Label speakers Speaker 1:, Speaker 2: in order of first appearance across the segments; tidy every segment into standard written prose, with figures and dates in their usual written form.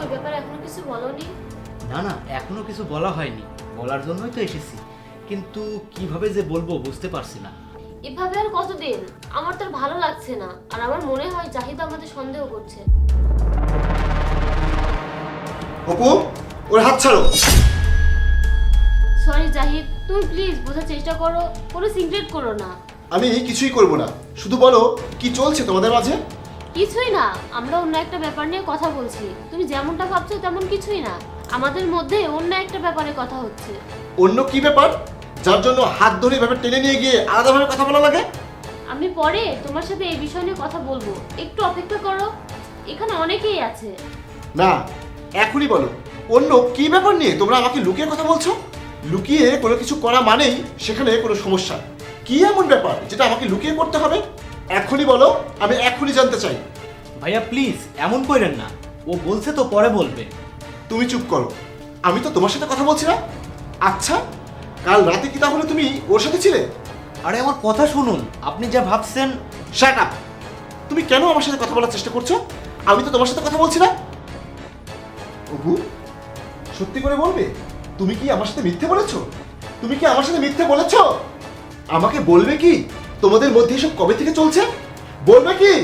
Speaker 1: ওই ব্যাপারে এখনো কিছু বলোনি?
Speaker 2: না না, এখনো কিছু বলা হয়নি, বলার জন্যই তো এসেছি, কিন্তু কিভাবে যে বলবো বুঝতে পারছি না।
Speaker 1: এভাবে আর কতদিন? আমার তো আর ভালো লাগছে না, আর আমার মনে হয় জাহিদ আমাদের সন্দেহ করছে।
Speaker 3: অপু, ওর হাত ছাড়ো।
Speaker 1: সরি জাহিদ, তুমি প্লিজ বোঝার চেষ্টা করো, কোনো সিক্রেট করো না।
Speaker 3: আমি কিছুই করব না, শুধু বলো কি চলছে তোমাদের মাঝে।
Speaker 1: কিছুই না, আমরা অন্য একটা ব্যাপার নিয়ে কথা বলছি। তুমি যেমনটা ভাবছো তেমন কিছুই না, আমাদের মধ্যে অন্য একটা ব্যাপারে কথা হচ্ছে।
Speaker 3: অন্য কি ব্যাপার যার জন্য হাত ধরে এভাবে টেনে নিয়ে গিয়ে আলাদাভাবে কথা বলা লাগে?
Speaker 1: আমি পরে তোমার সাথে এই বিষয় নিয়ে কথা বলবো, একটু অপেক্ষা করো, এখানে অনেকেই আছে।
Speaker 3: না, এখনই বলো অন্য কি ব্যাপার নিয়ে তোমরা আমাকে লুকিয়ে কথা বলছো? লুকিয়ে কোনো কিছু করা মানেই সেখানে কোনো সমস্যা। কি এমন ব্যাপার যেটা আমাকে লুকিয়ে করতে হবে? এখনই বলো, আমি এখনই জানতে চাই।
Speaker 2: ভাইয়া প্লিজ এমন করেন না, ও বলছে তো পরে বলবে।
Speaker 3: তুমি চুপ করো, আমি তো তোমার সাথে কথা বলছি না। আচ্ছা, কাল রাতে কি তাহলে তুমি ওর সাথে ছিলে?
Speaker 2: আরে আমার কথা শুনুন, আপনি যা ভাবছেন।
Speaker 3: Shut up! তুমি কেন আমার সাথে কথা বলার চেষ্টা করছো? আমি তো তোমার সাথে কথা বলছি না। অপু, সত্যি করে বলবে, তুমি কি আমার সাথে মিথ্যে বলেছো? তুমি কি আমার সাথে মিথ্যে বলেছো? আমাকে বলবে কি তোমাদের মধ্যে এসব কবে থেকে চলছে? বলবে কি?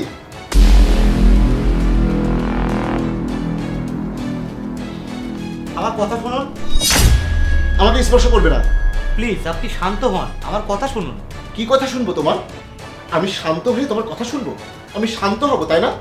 Speaker 2: আমার কথা শুনুন
Speaker 3: আমাকে স্পর্শ করবে না।
Speaker 2: প্লিজ, আপনি শান্ত হন, আমার কথা শুনুন।
Speaker 3: কি কথা শুনবো তোমার? আমি শান্ত হয়ে তোমার কথা শুনবো? আমি শান্ত হব, তাই না?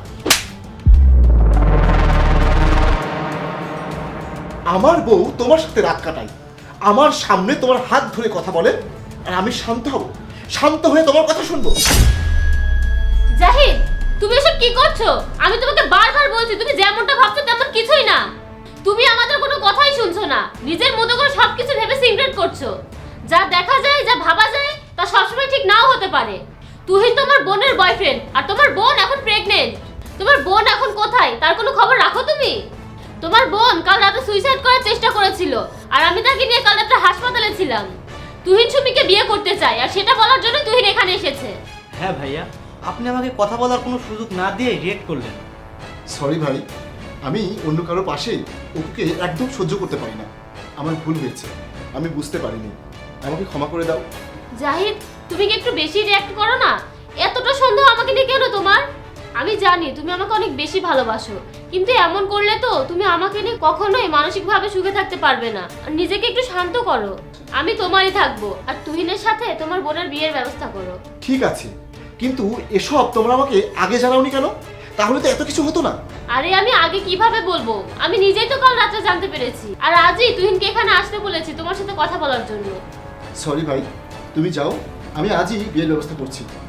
Speaker 3: আমার বউ তোমার সাথে রাত কাটাই, আমার সামনে তোমার হাত ধরে কথা বলে, আর আমি শান্ত হব? শান্ত হয়ে তোমার কথা শুনবো?
Speaker 1: জাহিদ, তুমি এসব কি করছো? আমি তোমাকে বারবার বলছি তুমি যেমনটা ভাবছো তেমন কিছুই না। তুমি আমাদের কোনো কথাই শুনছো না, নিজের মতো করে সবকিছু ভেবে সিক্রেট করছো। যা দেখা যায়, যা ভাবা যায় তা সবসময় ঠিক নাও হতে পারে। তুহিন তোমার বোনের বয়ফ্রেন্ড, আর তোমার বোন এখন প্রেগনেন্ট। তোমার বোন এখন কোথায় তার কোনো খবর রাখো তুমি? তোমার বোন কাল রাতে সুইসাইড করার চেষ্টা করেছিল, আর আমি তাকে নিয়ে কাল রাতে হাসপাতালে ছিলাম। তুহিন সুমিকে বিয়ে করতে চায়, আর সেটা বলার জন্য তুহিন এখানে এসেছে।
Speaker 2: হ্যাঁ ভাইয়া, আপনি আমাকে কথা বলার কোনো সুযোগ না দিয়ে রিয়েক্ট করলেন।
Speaker 3: সরি ভাই, আমি অন্য কারো পাশে অপুকে একদম সহ্য করতে পারি না। আমার ভুল হয়েছে, আমি বুঝতে পারিনি, আমাকে ক্ষমা করে দাও।
Speaker 1: জাহিদ, তুমি কি একটু বেশি রিঅ্যাক্ট করো না? এতটা সন্দেহ আমাকে নিয়ে কেন তোমার? আমি জানি তুমি আমাকে অনেক বেশি ভালোবাসো, কিন্তু এমন করলে তো তুমি আমাকে নিয়ে কখনোই মানসিকভাবে সুখে থাকতে পারবে না। আর নিজেকে একটু শান্ত করো, আমি তোমারই থাকবো, আর তুহিনের সাথে তোমার বোনের বিয়ের ব্যবস্থা করো।
Speaker 3: ঠিক আছে, কিন্তু এসব তোমরা আমাকে আগে জানাওনি কেন? তাহলে তো এত কিছু হতো না।
Speaker 1: আরে আমি আগে কিভাবে বলবো? আমি নিজেই তো কাল রাতে জানতে পেরেছি, আর আজই তুহিনকে এখানে আসতে বলেছি তোমার সাথে কথা বলার জন্য।
Speaker 3: সরি ভাই, তুমি যাও, আমি আজই বিয়ের ব্যবস্থা করছি।